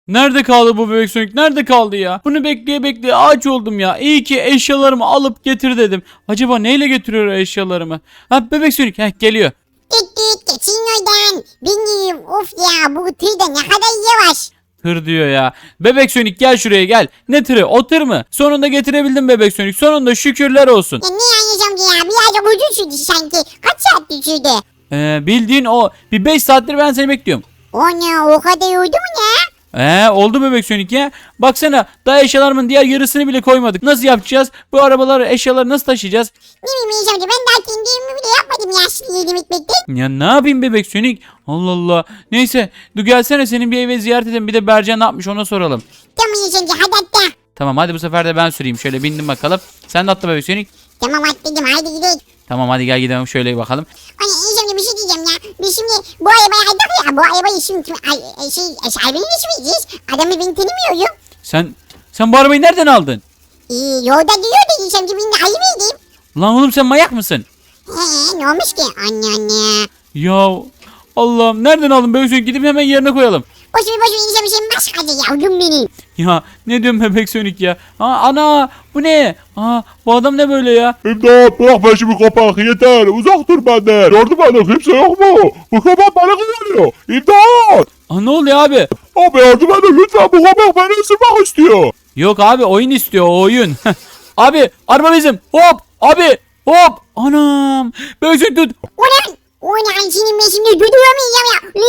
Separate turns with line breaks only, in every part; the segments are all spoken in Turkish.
Nerede kaldı bu bebek Sonic? Nerede kaldı ya? Bunu bekleye bekleye ağaç oldum ya. İyi ki eşyalarımı alıp getir dedim. Acaba neyle getiriyor eşyalarımı? Ha bebek Sonic geliyor.
Git geçin oradan. Bilmiyorum of ya bu tır da ne kadar yavaş.
Tır diyor ya. Bebek Sonic gel şuraya gel. Ne tırı? O tır mı? Sonunda getirebildim bebek Sonic. Sonunda şükürler olsun.
Ya ne anlayacağım ya birazcık uzun sürdü sanki. Kaç saat sürdü?
Bildiğin o. Bir 5 saattir ben seni bekliyorum.
O ne o kadar uydu mu ne?
Oldu bebek Sonic ya. Baksana daha eşyalarımın diğer yarısını bile koymadık. Nasıl yapacağız? Bu arabaları eşyaları nasıl taşıyacağız?
Ne bileyim amca ben daha kendimi bile yapmadım ya şimdi yedim ekmekte.
Ya ne yapayım bebek Sonic? Allah Allah. Neyse dur gelsene senin bir eve ziyaret edelim. Bir de Bercan ne yapmış ona soralım.
Tamam amca hadi atla.
Tamam hadi bu sefer de ben süreyim. Şöyle bindim bakalım. Sen de atla bebek Sonic.
Tamam atladım hadi gidelim.
Tamam hadi gel gidelim şöyle bakalım.
Hani amca bir şey diyeceğim ya. Biz şimdi bu arabayı aldık ya bu arabayı şimdi sahibini geçmeyeceğiz. Adamı ben tanımıyorum.
Sen bu arabayı nereden aldın?
Yolda diyor dedi amca ben de ayı mıydım?
Lan oğlum sen manyak mısın?
Ne olmuş ki? Anne.
Ya Allah'ım nereden aldın bebek Sonic? Gidip hemen yerine koyalım.
Boş ver insan bir şey başkaca yavrum benim.
Ya ne diyorsun bebek Sonic ya? Ana bu ne? Bu adam ne böyle ya?
İmdat bırak peşimi kapak yeter uzak dur benden. Yardım edin kimse yok mu? Bu kapak beni kullanıyor. İmdat.
Ne oluyor abi?
Abi yardım edin lütfen bu kapak beni ısırmak istiyor.
Yok abi oyun istiyor o oyun. Abi araba bizim. Hop abi hop. Anam. Bebek Sonic tut.
Ulan senin ben şimdi durduramayacağım ya.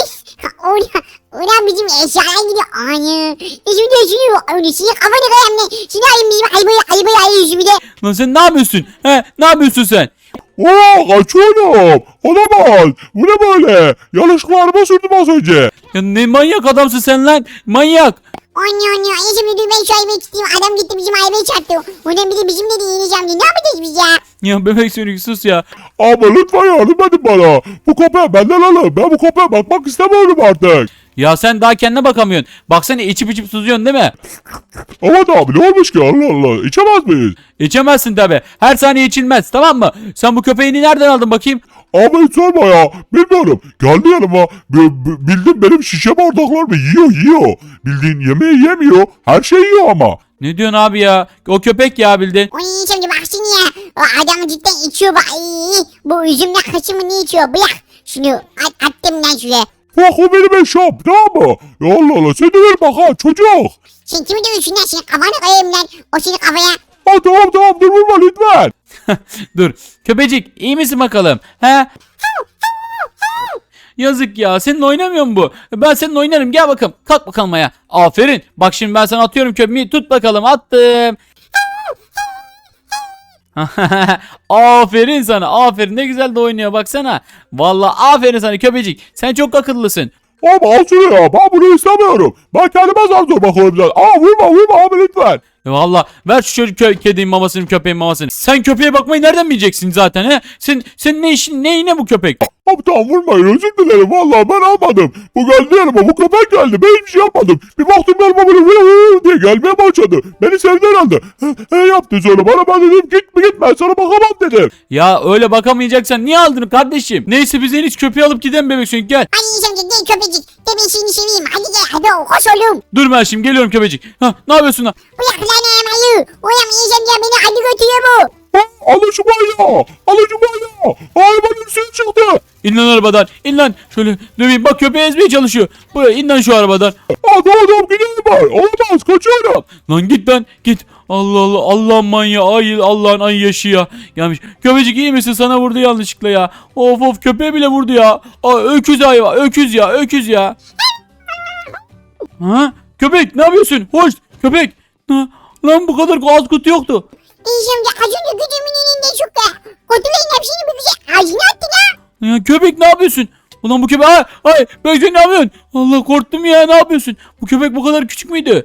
Ulan bizim eşyalar gidiyor. Anne. Şimdi düşünüyor. Öyle senin kafanı kayam ne? Şimdi ayın bizim ayıbayı ayı bir de.
Lan sen ne yapıyorsun? Ne yapıyorsun sen?
Kaçıyorum. Olamaz. Bu ne böyle? Yanlışlıkla araba sürdüm az önce.
Ya ne manyak adamsın sen lan. Manyak.
Anne. Şimdi dur ben şu ayıbayı tutayım. Adam gitti bizim ayıbayı çarptı. Ulan bir de bizim dedi yeneceğim diye. Ne yapacağız biz ya?
Ya bebek Sonic sus ya.
Ama lütfen yardım edin bana. Bu kapağı benden alın. Ben bu kapağa bakmak istemiyorum artık.
Ya sen daha kendine bakamıyorsun. Baksana içip susuyorsun değil mi?
Ama abi ne olmuş ki Allah Allah. İçemez miyiz?
İçemezsin tabi. Her saniye içilmez tamam mı? Sen bu köpeğini nereden aldın bakayım?
Abi hiç sorma ya. Bilmiyorum. Geldi yanıma. Bildim benim şişe bardaklarımı yiyor. Bildiğin yemeği yemiyor. Her şeyi yiyor ama.
Ne diyorsun abi ya? O köpek ya bildin.
Ulan şimdi bak şimdi ya. O adam cidden içiyor bak. Bu üzümle kaşımı ne içiyor? Bırak. Şunu attım lan şuraya.
Bak o benim eşyam tamam mı? Ya Allah Allah sen de ver bak ha çocuk.
Sen kimi dövüyorsun lan? Senin kafanı koyayım lan. O senin kafaya.
Ha tamam dur vurma lütfen.
Dur. Köpecik iyi misin bakalım? He? Yazık ya. Seninle oynamıyor mu bu? Ben seninle oynarım. Gel bakalım. Kalk bakalım ayağa. Aferin. Bak şimdi ben sana atıyorum köpeği. Tut bakalım. Attım. Aferin sana. Aferin. Ne güzel de oynuyor baksana. Vallahi aferin sana köpecik. Sen çok akıllısın.
Ama al şunu ya ben bunu istemiyorum. Ben kendime zar zor bakıyorum zaten. Vurma abi lütfen.
Valla ver şu çocuk kedinin mamasını köpeğin mamasını. Sen köpeğe bakmayı nereden bileceksin zaten he? Sen ne işin neyine bu köpek?
Abi tamam vurmayın özür dilerim vallahi ben almadım. Bu geldi yanıma bu köpek geldi ben hiçbir şey yapmadım. Bir baktım yanıma böyle vur diye gelmeye başladı. Beni sevdi herhalde. Yaptı sonra bana ben dedim git ben sana bakamam dedim.
Ya öyle bakamayacaksan niye aldın kardeşim? Neyse biz en iyisi köpeği alıp gidelim bebek Sonic gel.
Hadi yiyeceğim gel köpecik. De ben seni seveyim. Hadi gel hadi koş oğlum.
Dur ben şimdi geliyorum köpecik. Ne yapıyorsun lan?
Bırak lan ayı. Ulan yiyeceğim ya beni hadi götürüyor bu.
Alın şu manyağı. Arabanın üstüne çıktı.
İn lan arabadan. İn lan. Şöyle döveyim. Bak köpeği ezmeye çalışıyor. Buraya in lan şu arabadan.
Adam gidiyor var. Olamaz kaçıyorum.
Lan git lan git. Allah Allah Allah'ın manyağı ay Allah'ın ay yaşı ya. Gelmiş. Köpecik iyi misin? Sana vurdu yanlışlıkla ya. Of köpeğe bile vurdu ya. Öküz hayvan. Öküz ya. Ha? Köpek ne yapıyorsun? Hoş köpek. Lan bu kadar az kutu yoktu.
Yiyeceğim ya az önce güdümün önünde çıktı. Kutuların hepsini bir güzel ağzına attı la.
Ya köpek ne yapıyorsun? Ulan bu köpek ay Bebek ne yapıyorsun? Allah korktum ya ne yapıyorsun? Bu köpek bu kadar küçük müydü?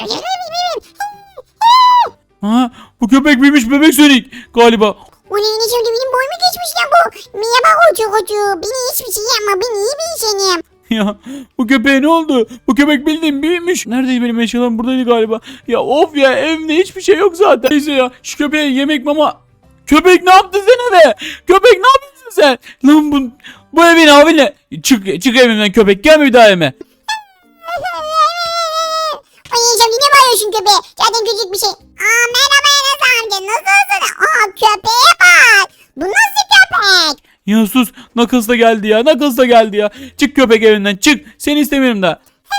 Bu köpek büyümüş bebek Sonic galiba.
O neyini şimdi benim boyumu geçmiş lan bu. Merhaba koçu. Beni hiçbir şey yapma. Ben iyi bir insanım.
Ya bu köpeğe ne oldu? Bu köpek bildiğin büyümüş. Neredeydi benim eşyalarım? Buradaydı galiba. Ya of ya evimde hiçbir şey yok zaten. Neyse ya şu köpeğe yemek mama. Köpek ne yaptın sen eve? Köpek ne yapıyorsun sen? Lan bu evin abi ne? Çık evimden köpek gelme bir daha evime.
köpeğe. Zaten küçük bir şey. Merhaba Enes amca nasılsın? Köpeğe bak. Bu nasıl köpek?
Ya sus. Knuckles da geldi ya. Knuckles da geldi ya. Çık köpek evinden çık. Seni istemiyorum da.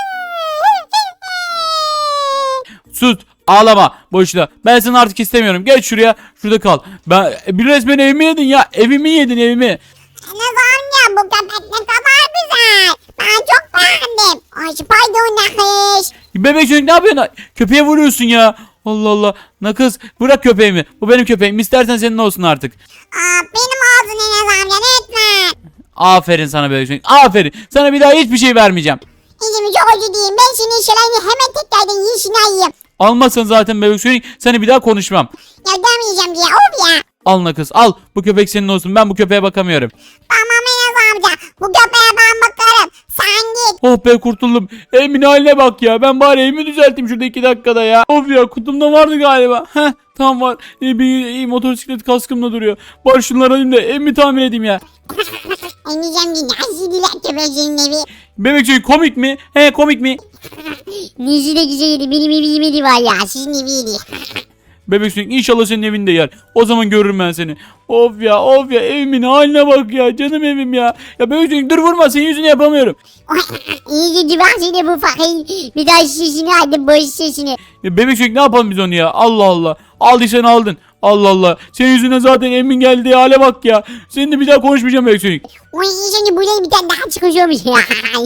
Sus. Ağlama boşuna. Ben seni artık istemiyorum. Geç şuraya. Şurada kal. Bir resmen evimi yedin ya. Evimi yedin evimi.
Enes amca bu köpek ne kadar güzel. Ben çok beğendim. Ay pardon Nakış.
Bebek çocuk ne yapıyorsun? Köpeğe vuruyorsun ya. Allah Allah. Knuckles bırak köpeğimi. Bu benim köpeğim. İstersen senin olsun artık.
Benim olsun Enes amca lütfen.
Aferin sana bebek çocuk. Aferin. Sana bir daha hiçbir şey vermeyeceğim.
İzimi çok özür dileyim. Ben senin şeylerini hemen tekrardan yiyişini ayıyım.
Almazsan zaten bebek çocuk seni bir daha konuşmam.
Ya demeyeceğim diye of ya.
Al Knuckles al. Bu köpek senin olsun. Ben bu köpeğe bakamıyorum.
Tamam Enes amca. Bu köpeğe ben bakarım. Sen git.
Oh be kurtuldum. Evimin haline bak ya. Ben bari evimi düzelteyim şurada 2 dakikada ya. Of ya kutumda vardı galiba. Heh tamam var. Bir motosiklet kaskımda duruyor. Bari şunları alayım da evimi tamir edeyim ya.
Emeyeceğim diye nasıl diler köpeğin evi.
Bebek çocuk komik mi? He komik mi?
Nesi de güzeldi. Benim evim yedi var ya. Sizin eviydi.
Bebek çocuk inşallah senin evinde yer. O zaman görürüm ben seni. Of ya evimin haline bak ya. Canım evim ya. Ya bebek çocuk dur vurma senin yüzünü yapamıyorum.
İyice ben seni bu fakir. Bir daha sesini aldım. Boş sesini.
Ya bebek çocuk ne yapalım biz onu ya? Allah Allah. Aldıysan aldın. Allah Allah. Senin yüzüne zaten emin geldiği hale bak ya. Seninle bir daha konuşmayacağım bebek çocuk.
Oy şimdi buradan bir tane daha çıkıyormuş ya.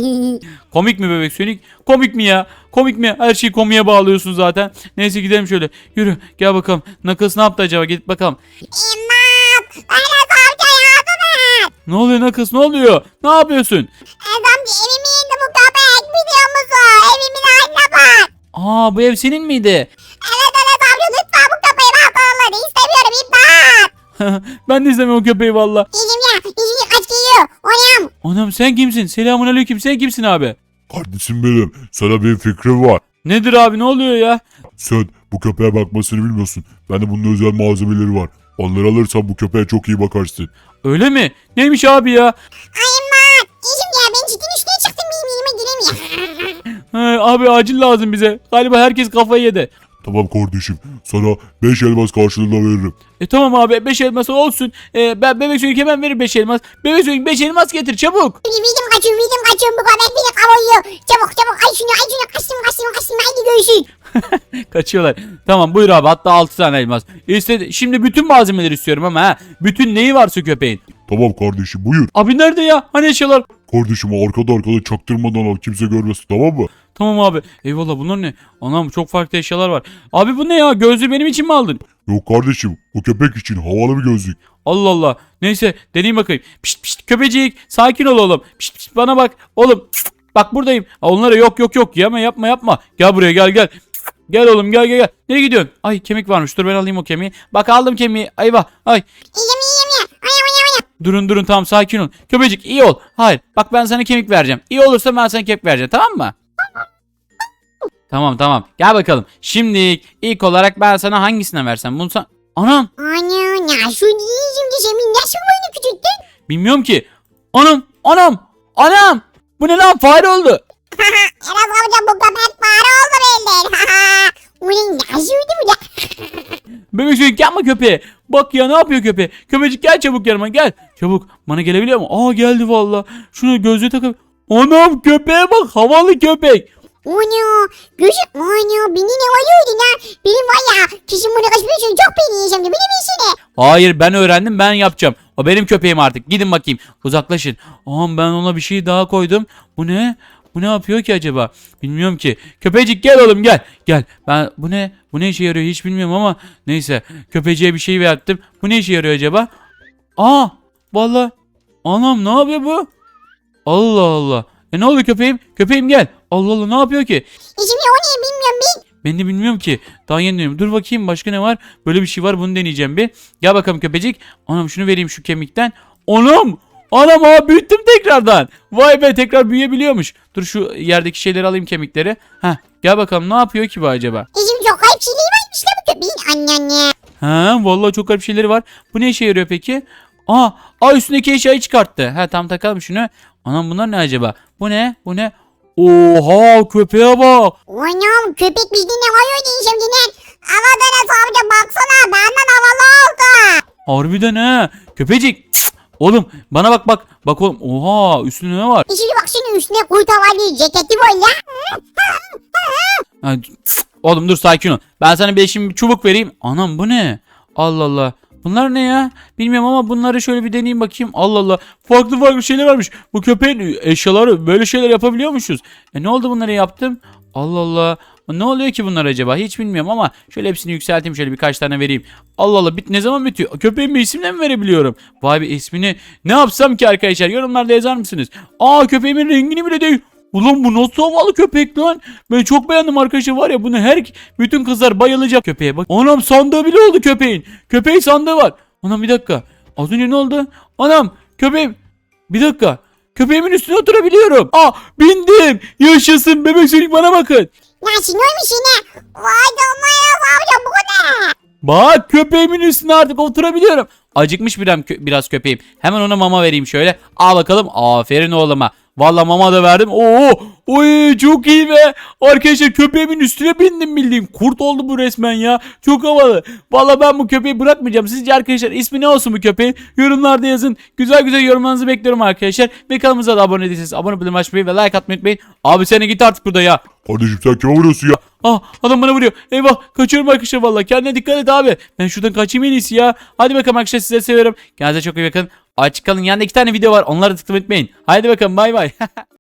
Komik mi bebek Sonic? Komik mi ya? Komik mi? Her şeyi komiye bağlıyorsun zaten. Neyse gidelim şöyle. Yürü gel bakalım. Knuckles ne yaptı acaba? Gidip bakalım.
İmdat. Enes amca yardım et.
Ne oluyor Knuckles? Ne oluyor? Ne yapıyorsun?
Enes amca evimi yedi bu köpek. Biliyor musun? Evimin haline bak.
Aa bu ev senin miydi?
Evet Enes amca lütfen bu köpeği ben sağladı. İstemiyorum imdat.
Ben de izlemiyorum o köpeği valla.
İzim kaç geliyor. Oyam.
Anam sen kimsin? Selamun aleyküm. Sen kimsin abi?
Kardeşim benim. Sana bir fikrim var.
Nedir abi ne oluyor ya?
Sen bu köpeğe bakmasını bilmiyorsun. Bende bunun özel malzemeleri var. Onları alırsan bu köpeğe çok iyi bakarsın.
Öyle mi? Neymiş abi ya?
Ay imdat. İzim ya ben çitin üstüne çıktım. Benim yerime giremiyor.
Abi acil lazım bize. Galiba herkes kafayı yedi.
Tamam kardeşim. Sana 5 elmas karşılığında veririm.
Tamam abi 5 elmas olsun. Ben bebek çocuk hemen verir 5 elmas. Bebek çocuk 5 elmas getir çabuk.
Vidim kaçıyorum bu köpek beni kavuruyor. Çabuk ay şunu kaçtım haydi görüşürüz.
Kaçıyorlar. Tamam buyur abi hatta 6 tane elmas. Şimdi bütün malzemeleri istiyorum ama ha. Bütün neyi varsa köpeğin.
Tamam kardeşim buyur.
Abi nerede ya? Hani eşyalar?
Kardeşim arkada çaktırmadan al kimse görmesin tamam mı?
Tamam abi. Eyvallah bunlar ne? Anam çok farklı eşyalar var. Abi bu ne ya? Gözlüğü benim için mi aldın?
Yok kardeşim o köpek için havalı bir gözlük.
Allah Allah. Neyse deneyeyim bakayım. Pişt pişt köpecik. Sakin ol oğlum. Pişt pişt bana bak. Oğlum. Bak buradayım. Onlara yok. Yapma. Gel buraya gel. Gel oğlum gel. Nereye gidiyorsun? Ay kemik varmış. Dur ben alayım o kemiği. Bak aldım kemiği. Ayvah. Ay.
İyiyim ya. Oyam.
Durun tamam sakin ol. Köpecik iyi ol. Hayır. Bak ben sana kemik vereceğim. İyi olursa ben sana kemik vereceğim. Tamam mı? Tamam. Gel bakalım. Şimdi ilk olarak ben sana hangisine versem? Bunu sen... Anam.
Ana ya şu diyeceğim de senin nasıl boyunu küçülttün?
Bilmiyorum ki. Anam. Bu ne lan? Fare oldu.
Enes amca bu köpek fare oldu belli. Ulan nasıl uydu bu da?
Bebek çocuk yapma köpeğe. Bak ya ne yapıyor köpeğe? Köpecik gel çabuk yanıma gel. Çabuk. Bana gelebiliyor mu? Aa geldi valla. Şunu gözlüğü takıp. Anam köpeğe bak. Havalı köpek.
Onu beni ne oluyordu lan? Benim var ya kişim bunu kaçmış çok beni yiyeceğim de benim işine.
Hayır ben öğrendim ben yapacağım. O benim köpeğim artık. Gidin bakayım. Uzaklaşın. Aman ben ona bir şey daha koydum. Bu ne? Bu ne yapıyor ki acaba? Bilmiyorum ki. Köpecik gel oğlum gel. Gel. Ben bu ne? Bu ne işe yarıyor hiç bilmiyorum ama neyse. Köpeciğe bir şey verdim. Bu ne işe yarıyor acaba? Aa! Vallahi anam ne yapıyor bu? Allah Allah. Ne oldu köpeğim? Köpeğim gel. Allah Allah ne yapıyor ki?
Şimdi o ne bilmiyorum ben.
Ben de bilmiyorum ki. Daha yeni deniyorum. Dur bakayım başka ne var? Böyle bir şey var bunu deneyeceğim bir. Gel bakalım köpecik. Anam şunu vereyim şu kemikten. Anam ha büyüttüm tekrardan. Vay be tekrar büyüyebiliyormuş. Dur şu yerdeki şeyleri alayım kemikleri. Heh gel bakalım ne yapıyor ki bu acaba?
Şimdi çok garip şeyleri varmış la bu köpeğin anne.
Ha vallahi çok garip şeyleri var. Bu ne işe yarıyor peki? Üstündeki eşyayı çıkarttı. Ha tam takalım şunu. Anam bunlar ne acaba? Bu ne? Oha köpeğe bak.
Anam köpek bizden havaya şimdi lan. Havada nasıl amca baksana benden havalı oldu.
Harbiden ha. Köpecik. Cık. Oğlum bana bak bak. Bak oğlum. Oha üstünde ne var?
Şimdi bak şunun üstüne kurt havalı ceketi var ya.
Ha, cık. Oğlum dur sakin ol. Ben sana bir çubuk vereyim. Anam bu ne? Allah Allah. Bunlar ne ya? Bilmiyorum ama bunları şöyle bir deneyeyim bakayım. Allah Allah. Farklı farklı şeyler varmış. Bu köpeğin eşyaları böyle şeyler yapabiliyormuşuz. Ne oldu bunları yaptım? Allah Allah. Ne oluyor ki bunlar acaba? Hiç bilmiyorum ama şöyle hepsini yükselteyim. Şöyle birkaç tane vereyim. Allah Allah. Ne zaman bitiyor? Köpeğin bir isimle mi verebiliyorum? Vay be ismini. Ne yapsam ki arkadaşlar? Yorumlarda yazar mısınız? Aa köpeğimin rengini bile değil. Ulan bu nasıl havalı köpek lan? Ben çok beğendim arkadaşlar var ya bunu bütün kızlar bayılacak köpeğe bak. Anam sandığı bile oldu köpeğin. Köpeğin sandığı var. Anam bir dakika. Az önce ne oldu? Anam köpeğim. Bir dakika. Köpeğimin üstüne oturabiliyorum. Aa bindim. Yaşasın bebek sönük bana bakın.
Nasıl neymiş yine? Vay canına amca bu ne?
Bak köpeğimin üstüne artık oturabiliyorum. Acıkmış biraz köpeğim. Hemen ona mama vereyim şöyle. Al bakalım. Aferin oğluma. Valla mama da verdim. Oo, oy çok iyi be. Arkadaşlar köpeğimin üstüne bindim bildiğim. Kurt oldu bu resmen ya. Çok havalı. Valla ben bu köpeği bırakmayacağım. Sizce arkadaşlar ismi ne olsun bu köpeğin? Yorumlarda yazın. Güzel güzel yorumlarınızı bekliyorum arkadaşlar. Ve kanalımıza da abone değilseniz abone olmayı açmayı ve like atmayı unutmayın. Abi sen git artık burada ya.
Kardeşim sen kime vuruyorsun ya?
Ah adam bana vuruyor. Eyvah kaçıyorum arkadaşlar valla. Kendine dikkat et abi. Ben şuradan kaçayım en iyisi ya. Hadi bakalım arkadaşlar size seviyorum. Kendinize çok iyi bakın. Açık kalın. Yanında 2 tane video var. Onları tıklamayı unutmayın. Haydi bakalım bay bay.